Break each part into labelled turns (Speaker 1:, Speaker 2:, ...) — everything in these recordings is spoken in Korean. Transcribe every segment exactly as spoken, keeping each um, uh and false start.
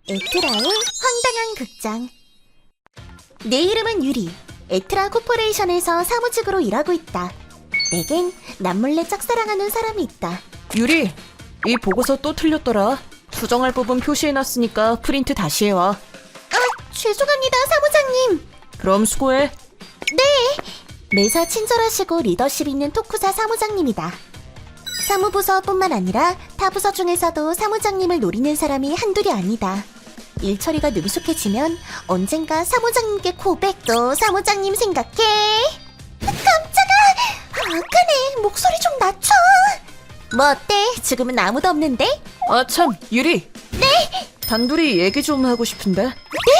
Speaker 1: 에트라의 황당한 극장. 내 이름은 유리. 에트라 코퍼레이션에서 사무직으로 일하고 있다. 내겐 남몰래 짝사랑하는 사람이 있다.
Speaker 2: 유리, 이 보고서 또 틀렸더라. 수정할 부분 표시해놨으니까 프린트 다시 해와.
Speaker 1: 아, 죄송합니다, 사무장님.
Speaker 2: 그럼 수고해.
Speaker 1: 매사 친절하시고 리더십 있는 토쿠사 사무장님이다. 사무부서뿐만 아니라 타 부서 중에서도 사무장님을 노리는 사람이 한둘이 아니다. 일 처리가 능숙해지면 언젠가 사무장님께 고백도 사무장님 생각해. 깜짝아! 아까네, 목소리 좀 낮춰. 뭐 어때? 지금은 아무도 없는데?
Speaker 2: 아 참, 유리. 네? 단둘이 얘기 좀 하고 싶은데.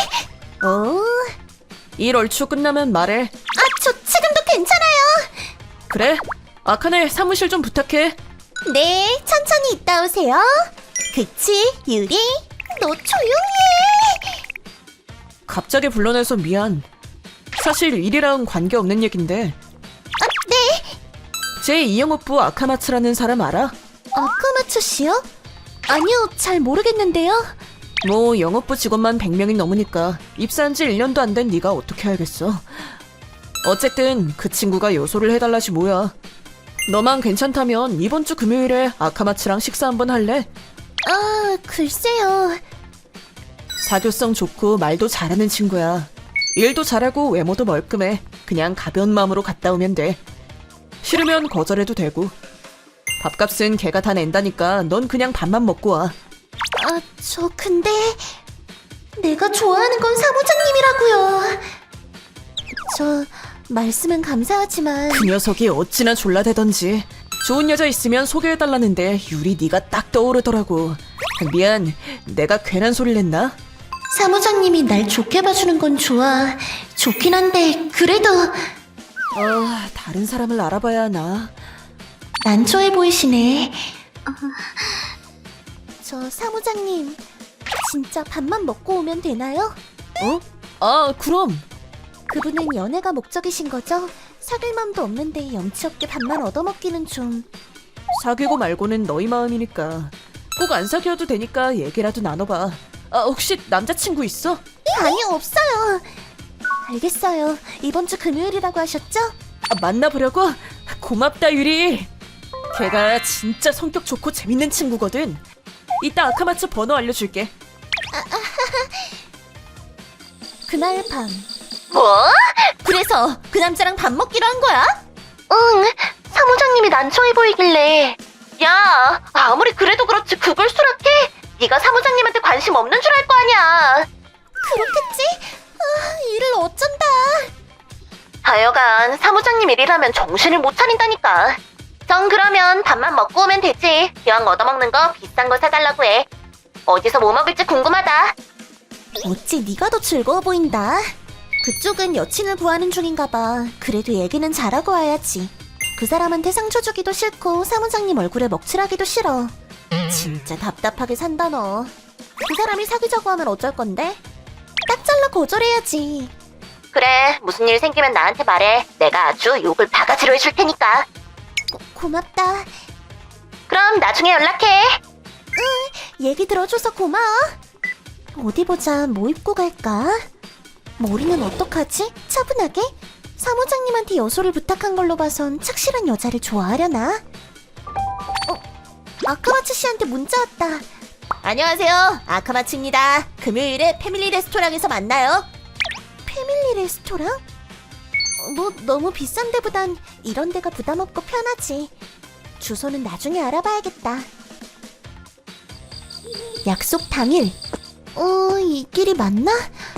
Speaker 1: 오,
Speaker 2: 일 얼추 끝나면 말해.
Speaker 1: 아, 저 지금도 괜찮아요.
Speaker 2: 그래? 아카네 사무실 좀 부탁해.
Speaker 1: 네, 천천히 있다 오세요. 그치, 유리? 너 조용히 해.
Speaker 2: 갑자기 불러내서 미안. 사실 일이랑 관계없는 얘긴데.
Speaker 1: 아, 네.
Speaker 2: 제이 영업부 아카마츠라는 사람 알아?
Speaker 1: 아카마츠 씨요? 아니요, 잘 모르겠는데요.
Speaker 2: 뭐 영업부 직원만 백 명이 넘으니까 입사한 지 일 년도 안 된 네가 어떻게 알겠어. 어쨌든 그 친구가 요소를 해달라지 뭐야. 너만 괜찮다면 이번 주 금요일에 아카마츠랑 식사 한번 할래?
Speaker 1: 아, 글쎄요.
Speaker 2: 사교성 좋고 말도 잘하는 친구야. 일도 잘하고 외모도 멀끔해. 그냥 가벼운 마음으로 갔다 오면 돼. 싫으면 거절해도 되고. 밥값은 걔가 다 낸다니까 넌 그냥 밥만 먹고 와.
Speaker 1: 아, 저 근데 내가 좋아하는 건 사무장님이라고요. 저 말씀은 감사하지만
Speaker 2: 그 녀석이 어찌나 졸라대던지. 좋은 여자 있으면 소개해달라는데 유리 네가 딱 떠오르더라고. 미안, 내가 괜한 소리를 했나?
Speaker 1: 사무장님이 날 좋게 봐주는 건 좋아. 좋긴 한데 그래도
Speaker 2: 아, 다른 사람을 알아봐야 하나.
Speaker 1: 난처해 보이시네. 저 사무장님, 진짜 밥만 먹고 오면 되나요?
Speaker 2: 어? 아, 그럼.
Speaker 1: 그분은 연애가 목적이신 거죠? 사귈 마음도 없는데 염치 없게 밥만 얻어먹기는 좀...
Speaker 2: 사귀고 말고는 너희 마음이니까. 꼭 안 사귀어도 되니까 얘기라도 나눠봐. 아, 혹시 남자친구 있어?
Speaker 1: 아니요, 없어요. 알겠어요. 이번 주 금요일이라고 하셨죠?
Speaker 2: 아, 만나보려고? 고맙다, 유리. 걔가 진짜 성격 좋고 재밌는 친구거든. 이따 아카마츠 번호 알려줄게.
Speaker 1: 그날 밤.
Speaker 3: 뭐?
Speaker 1: 그래서 그 남자랑 밥 먹기로 한 거야?
Speaker 3: 응, 사무장님이 난처해 보이길래. 야, 아무리 그래도 그렇지 그걸 수락해? 네가 사무장님한테 관심 없는 줄 알 거 아니야.
Speaker 1: 그렇겠지? 아, 일을 어쩐다.
Speaker 3: 하여간 사무장님 일이라면 정신을 못 차린다니까. 전 그러면 밥만 먹고 오면 되지. 기왕 얻어먹는 거 비싼 거 사달라고 해. 어디서 뭐 먹을지 궁금하다.
Speaker 1: 어찌 네가 더 즐거워 보인다. 그쪽은 여친을 구하는 중인가 봐. 그래도 얘기는 잘하고 와야지. 그 사람한테 상처 주기도 싫고 사무장님 얼굴에 먹칠하기도 싫어. 진짜 답답하게 산다 너. 그 사람이 사귀자고 하면 어쩔 건데? 딱 잘라 거절해야지.
Speaker 3: 그래, 무슨 일 생기면 나한테 말해. 내가 아주 욕을 바가지로 해줄 테니까.
Speaker 1: 고, 고맙다.
Speaker 3: 그럼 나중에 연락해.
Speaker 1: 얘기 들어줘서 고마워. 어디 보자, 뭐 입고 갈까? 머리는 어떡하지? 차분하게? 사무장님한테 여소를 부탁한 걸로 봐선 착실한 여자를 좋아하려나? 어? 아카마츠 씨한테 문자 왔다. 안녕하세요, 아카마츠입니다. 금요일에 패밀리 레스토랑에서 만나요. 패밀리 레스토랑? 어, 뭐 너무 비싼 데보단 이런 데가 부담 없고 편하지. 주소는 나중에 알아봐야겠다. 약속 당일. 어, 이 길이 맞나?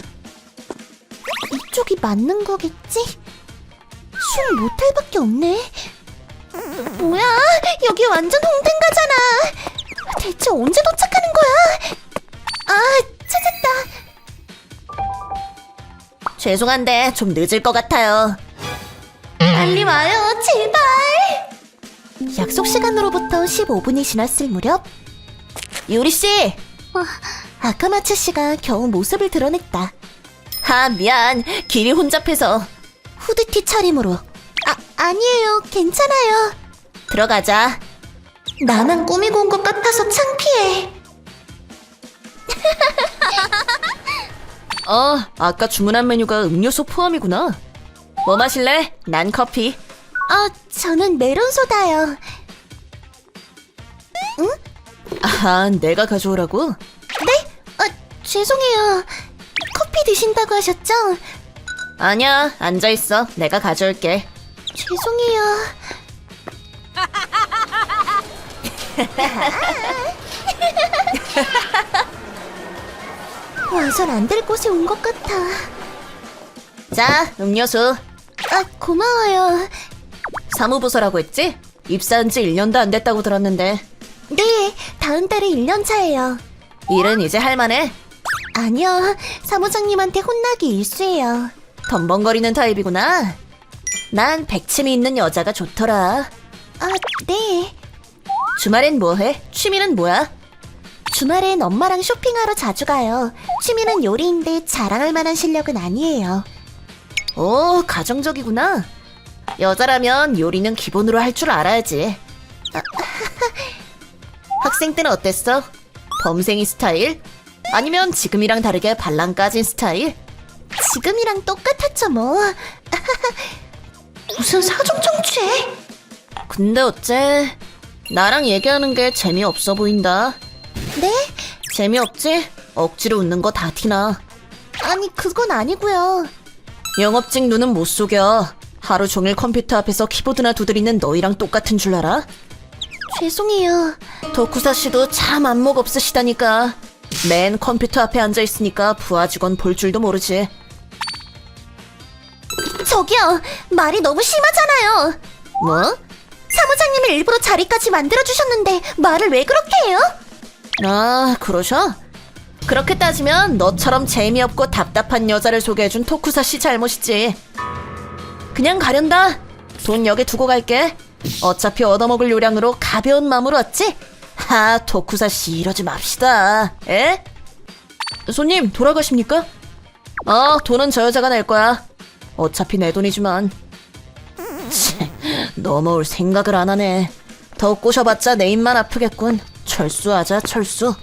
Speaker 1: 이쪽이 맞는 거겠지? 술 모텔밖에 없네. 뭐야? 여기 완전 홍대인가잖아. 대체 언제 도착하는 거야? 아, 찾았다. 죄송한데 좀 늦을 것 같아요. 빨리 와요, 제발. 약속 시간으로부터 십오 분이 지났을 무렵 유리씨! 아카마츠 씨가 겨우 모습을 드러냈다. 아, 미안. 길이 혼잡해서. 후드티 차림으로. 아, 아니에요. 괜찮아요. 들어가자. 나만 꾸미고 온 것 같아서 창피해.
Speaker 2: 어, 아까 주문한 메뉴가 음료수 포함이구나. 뭐 마실래? 난 커피.
Speaker 1: 아, 저는 메론소다요.
Speaker 2: 아, 내가 가져오라고?
Speaker 1: 아, 죄송해요. 커피 드신다고 하셨죠?
Speaker 2: 아니야, 앉아있어. 내가 가져올게.
Speaker 1: 죄송해요. 와선 안 될 곳에 온 것 같아.
Speaker 2: 자, 음료수.
Speaker 1: 아, 고마워요.
Speaker 2: 사무부서라고 했지? 입사한 지 일 년도 안 됐다고 들었는데.
Speaker 1: 네, 다음 달에 일 년 차예요.
Speaker 2: 일은 이제 할만해?
Speaker 1: 아니요, 사무장님한테 혼나기 일쑤예요.
Speaker 2: 덤벙거리는 타입이구나. 난 백침이 있는 여자가 좋더라.
Speaker 1: 아, 네.
Speaker 2: 주말엔 뭐해? 취미는 뭐야?
Speaker 1: 주말엔 엄마랑 쇼핑하러 자주 가요. 취미는 요리인데 자랑할 만한 실력은 아니에요.
Speaker 2: 오, 가정적이구나. 여자라면 요리는 기본으로 할 줄 알아야지. 학생 때는 어땠어? 범생이 스타일? 아니면 지금이랑 다르게 발랑 까진 스타일?
Speaker 1: 지금이랑 똑같았죠, 뭐. 무슨 사정 청취해?
Speaker 2: 근데 어째 나랑 얘기하는 게 재미없어 보인다.
Speaker 1: 네?
Speaker 2: 재미없지? 억지로 웃는 거 다 티나.
Speaker 1: 아니, 그건 아니고요.
Speaker 2: 영업직 눈은 못 속여. 하루 종일 컴퓨터 앞에서 키보드나 두드리는 너희랑 똑같은 줄 알아?
Speaker 1: 죄송해요.
Speaker 2: 덕후사 씨도 참 안목 없으시다니까. 맨 컴퓨터 앞에 앉아 있으니까 부하 직원 볼 줄도 모르지.
Speaker 1: 저기요, 말이 너무 심하잖아요.
Speaker 2: 뭐?
Speaker 1: 사무장님이 일부러 자리까지 만들어주셨는데 말을 왜 그렇게 해요?
Speaker 2: 아, 그러셔? 그렇게 따지면 너처럼 재미없고 답답한 여자를 소개해준 토쿠사 씨 잘못이지. 그냥 가련다. 돈 여기 두고 갈게. 어차피 얻어먹을 요량으로 가벼운 마음으로 왔지? 하, 토쿠사 씨 이러지 맙시다. 에? 손님, 돌아가십니까? 어, 돈은 저 여자가 낼 거야. 어차피 내 돈이지만. 치, 넘어올 생각을 안 하네. 더 꼬셔봤자 내 입만 아프겠군. 철수하자, 철수.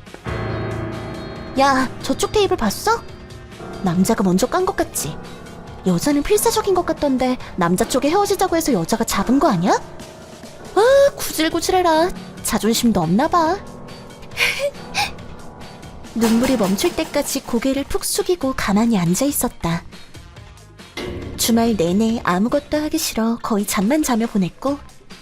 Speaker 1: 야, 저쪽 테이블 봤어? 남자가 먼저 깐 것 같지? 여자는 필사적인 것 같던데 남자 쪽에 헤어지자고 해서 여자가 잡은 거 아니야? 아, 구질구질해라. 자존심도 없나 봐. 눈물이 멈출 때까지 고개를 푹 숙이고 가만히 앉아 있었다. 주말 내내 아무것도 하기 싫어 거의 잠만 자며 보냈고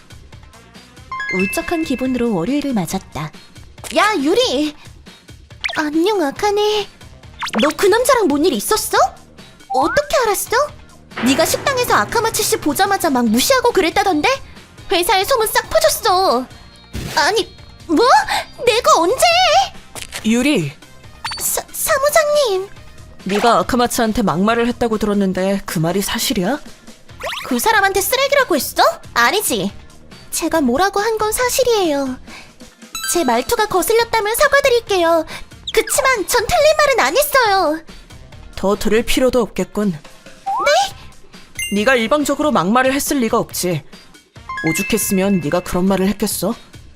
Speaker 1: 울적한 기분으로 월요일을 맞았다. 야, 유리! 안녕, 아카네. 너 그 남자랑 뭔 일 있었어? 어떻게 알았어? 네가 식당에서 아카마츠 씨 보자마자 막 무시하고 그랬다던데? 회사에 소문 싹 퍼졌어. 아니, 뭐? 내가 언제?
Speaker 2: 유리,
Speaker 1: 사, 사무장님.
Speaker 2: 네가 아카마츠한테 막말을 했다고 들었는데 그 말이 사실이야?
Speaker 1: 그 사람한테 쓰레기라고 했어? 아니지. 제가 뭐라고 한 건 사실이에요. 제 말투가 거슬렸다면 사과드릴게요. 그치만 전 틀린 말은 안 했어요.
Speaker 2: 더 들을 필요도 없겠군. 네? 네가 일방적으로 막말을 했을 리가 없지. 오죽했으면 네가 그런 말을 했겠어?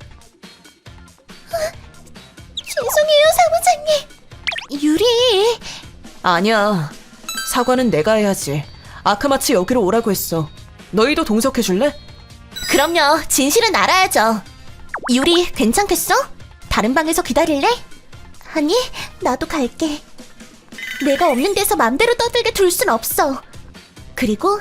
Speaker 1: 죄송해요, 사무장님. 유리.
Speaker 2: 아니야. 사과는 내가 해야지. 아카마츠 여기로 오라고 했어. 너희도 동석해줄래?
Speaker 1: 그럼요, 진실은 알아야죠. 유리, 괜찮겠어? 다른 방에서 기다릴래? 아니, 나도 갈게. 내가 없는 데서 맘대로 떠들게 둘 순 없어. 그리고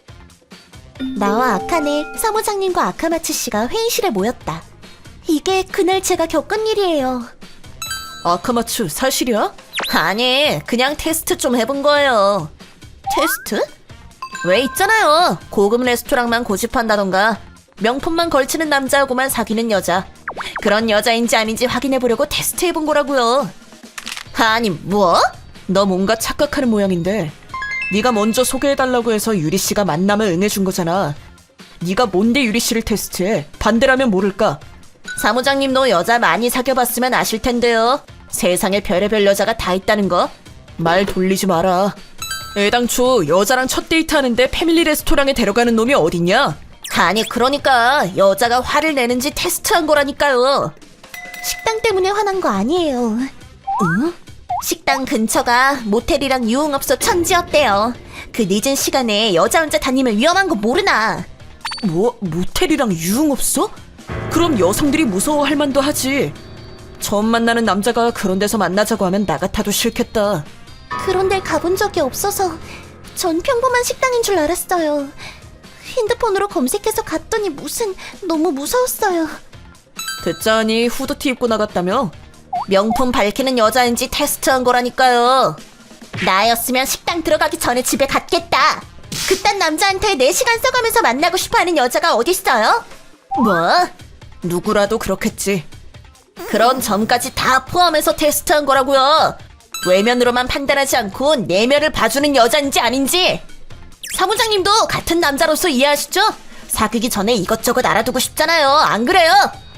Speaker 1: 나와 아카네, 사무장님과 아카마츠 씨가 회의실에 모였다. 이게 그날 제가 겪은 일이에요.
Speaker 2: 아카마츠 사실이야? 아니, 그냥 테스트 좀 해본 거예요. 테스트? 왜 있잖아요. 고급 레스토랑만 고집한다던가 명품만 걸치는 남자하고만 사귀는 여자. 그런 여자인지 아닌지 확인해보려고 테스트해본 거라고요. 아니, 뭐? 너 뭔가 착각하는 모양인데. 네가 먼저 소개해달라고 해서 유리씨가 만남을 응해준 거잖아. 네가 뭔데 유리씨를 테스트해? 반대라면 모를까? 사무장님도 여자 많이 사귀어봤으면 아실 텐데요. 세상에 별의별 여자가 다 있다는 거. 말 돌리지 마라. 애당초 여자랑 첫 데이트하는데 패밀리 레스토랑에 데려가는 놈이 어딨냐? 아니, 그러니까 여자가 화를 내는지 테스트한 거라니까요.
Speaker 1: 식당 때문에 화난 거 아니에요.
Speaker 2: 응?
Speaker 1: 식당 근처가 모텔이랑 유흥업소 천지였대요. 그 늦은 시간에 여자 혼자 다니면 위험한 거 모르나?
Speaker 2: 뭐, 모텔이랑 유흥업소? 그럼 여성들이 무서워할 만도 하지. 처음 만나는 남자가 그런 데서 만나자고 하면 나 같아도 싫겠다.
Speaker 1: 그런 데 가본 적이 없어서 전 평범한 식당인 줄 알았어요. 핸드폰으로 검색해서 갔더니 무슨 너무 무서웠어요.
Speaker 2: 듣자하니 후드티 입고 나갔다며?
Speaker 1: 명품 밝히는 여자인지 테스트한 거라니까요. 나였으면 식당 들어가기 전에 집에 갔겠다. 그딴 남자한테 네 시간 써가면서 만나고 싶어하는 여자가 어딨어요?
Speaker 2: 뭐? 누구라도 그렇겠지.
Speaker 1: 그런 점까지 다 포함해서 테스트한 거라고요. 외면으로만 판단하지 않고 내면을 봐주는 여자인지 아닌지. 사무장님도 같은 남자로서 이해하시죠? 사귀기 전에 이것저것 알아두고 싶잖아요. 안 그래요?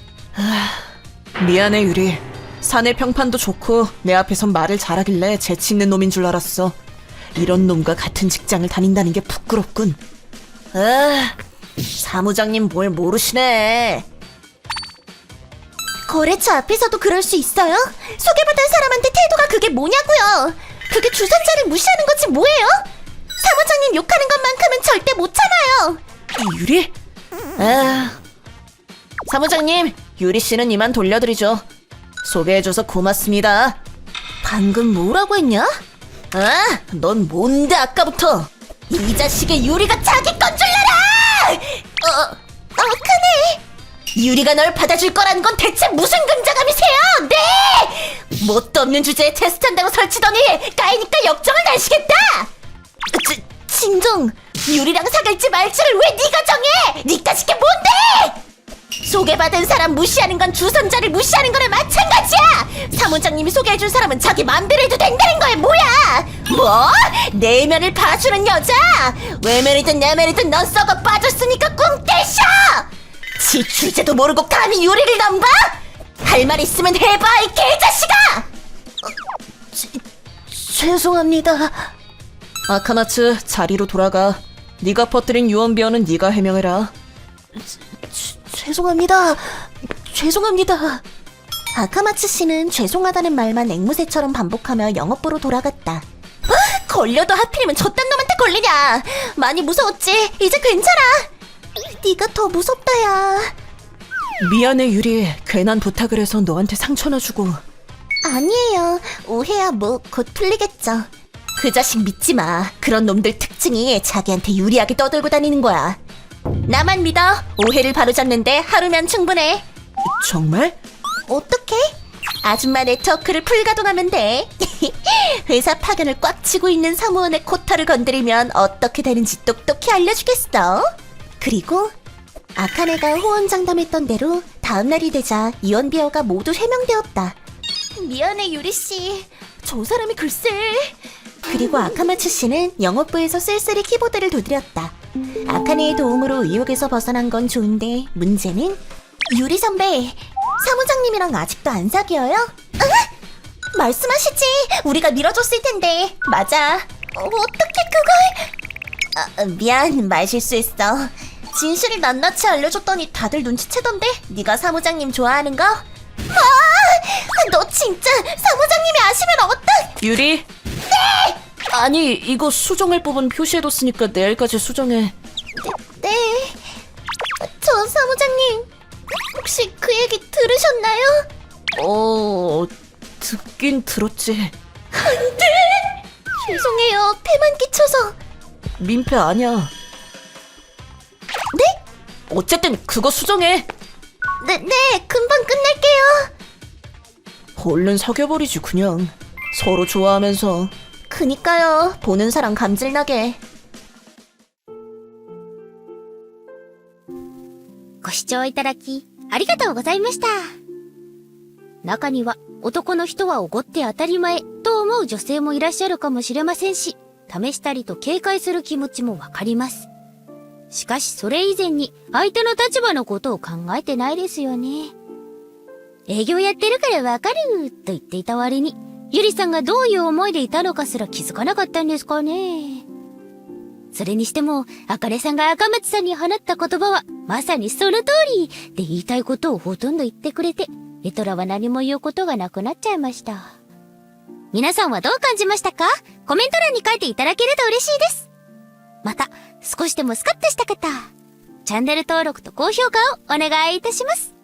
Speaker 2: 미안해, 유리. 사내 평판도 좋고 내 앞에선 말을 잘하길래 재치 있는 놈인 줄 알았어. 이런 놈과 같은 직장을 다닌다는 게 부끄럽군.
Speaker 1: 아, 사무장님 뭘 모르시네. 거래처 앞에서도 그럴 수 있어요? 소개받은 사람한테 태도가 그게 뭐냐고요? 그게 주선자를 무시하는 거지 뭐예요? 사무장님 욕하는 것만큼은 절대 못 참아요.
Speaker 2: 유리?
Speaker 1: 아, 사무장님, 유리 씨는 이만 돌려드리죠. 소개해줘서 고맙습니다. 방금 뭐라고 했냐? 아, 넌 뭔데 아까부터? 이 자식의 유리가 자기 건 줄 알아! 어, 어, 크네. 유리가 널 받아줄 거라는 건 대체 무슨 긍자감이세요? 네! 뭣도 없는 주제에 테스트한다고 설치더니 까이니까 역정을 내시겠다! 지, 진정, 유리랑 사귈지 말지를 왜 네가 정해? 니까짓 게 뭔데? 소개받은 사람 무시하는 건 주선자를 무시하는 거나 마찬가지야! 사무장님이 소개해준 사람은 자기 맘대로 해도 된다는 거야, 뭐야! 뭐? 내면을 봐주는 여자? 외면이든 내면이든 넌 썩어 빠졌으니까 꿍떼셔! 지 주제도 모르고 감히 유리를 넘봐? 할 말 있으면 해봐, 이 개자식아! 어, 지, 죄송합니다.
Speaker 2: 아카마츠, 자리로 돌아가. 네가 퍼뜨린 유언비어는 네가 해명해라.
Speaker 1: 죄- 죄송합니다. 죄송합니다. 아카마츠 씨는 죄송하다는 말만 앵무새처럼 반복하며 영업부로 돌아갔다. 아, 걸려도 하필이면 저딴 놈한테 걸리냐. 많이 무서웠지? 이제 괜찮아. 네가 더 무섭다, 야.
Speaker 2: 미안해, 유리. 괜한 부탁을 해서 너한테 상처나 주고.
Speaker 1: 아니에요. 오해야 뭐 곧 풀리겠죠. 그 자식 믿지 마. 그런 놈들 특징이 자기한테 유리하게 떠들고 다니는 거야. 나만 믿어. 오해를 바로잡는데 하루면 충분해.
Speaker 2: 정말?
Speaker 1: 어떻게? 아줌마 네트워크를 풀가동하면 돼. 회사 파견을 꽉 치고 있는 사무원의 코타를 건드리면 어떻게 되는지 똑똑히 알려주겠어. 그리고 아카네가 호언장담했던 대로 다음날이 되자 이원비어가 모두 해명되었다. 미안해, 유리씨. 저 사람이 글쎄. 그리고 아카마츠 씨는 영업부에서 쓸쓸히 키보드를 두드렸다. 아카네의 도움으로 의혹에서 벗어난 건 좋은데 문제는 유리 선배, 사무장님이랑 아직도 안 사귀어요? 아? 말씀하시지. 우리가 밀어줬을 텐데. 맞아. 어, 어떻게 그걸? 아, 미안, 말 실수했어. 진실을 낱낱이 알려줬더니 다들 눈치채던데. 네가 사무장님 좋아하는 거? 아, 너 진짜 사무장님이 아시면 어떡?
Speaker 2: 유리? 네! 아니, 이거 수정할 부분 표시해뒀으니까 내일까지 수정해.
Speaker 1: 네. 저 사무장님, 혹시 그 얘기 들으셨나요?
Speaker 2: 어... 듣긴 들었지.
Speaker 1: 안 돼! 죄송해요. 폐만 끼쳐서.
Speaker 2: 민폐 아니야.
Speaker 1: 네?
Speaker 2: 어쨌든 그거 수정해.
Speaker 1: 네, 네. 금방 끝낼게요.
Speaker 2: 얼른 사귀어버리지 그냥. 서로 좋아하면서.
Speaker 1: 그니까요. 보는 사람 감질나게.
Speaker 4: ご視聴いただき、ありがとうございました。中には、男の人はおごって当たり前と思う女性もいらっしゃるかもしれませんし、試したりと警戒する気持ちもわかります。しかしそれ以前に相手の立場のことを考えてないですよね。営業やってるからわかると言っていた割に、ゆりさんがどういう思いでいたのかすら気づかなかったんですかね。それにしても、あかねさんが赤松さんに放った言葉は、まさにその通りで言いたいことをほとんど言ってくれて、エトラは何も言うことがなくなっちゃいました。 皆さんはどう感じましたか？コメント欄に書いていただけると嬉しいです。また、少しでもスカッとした方、チャンネル登録と高評価をお願いいたします。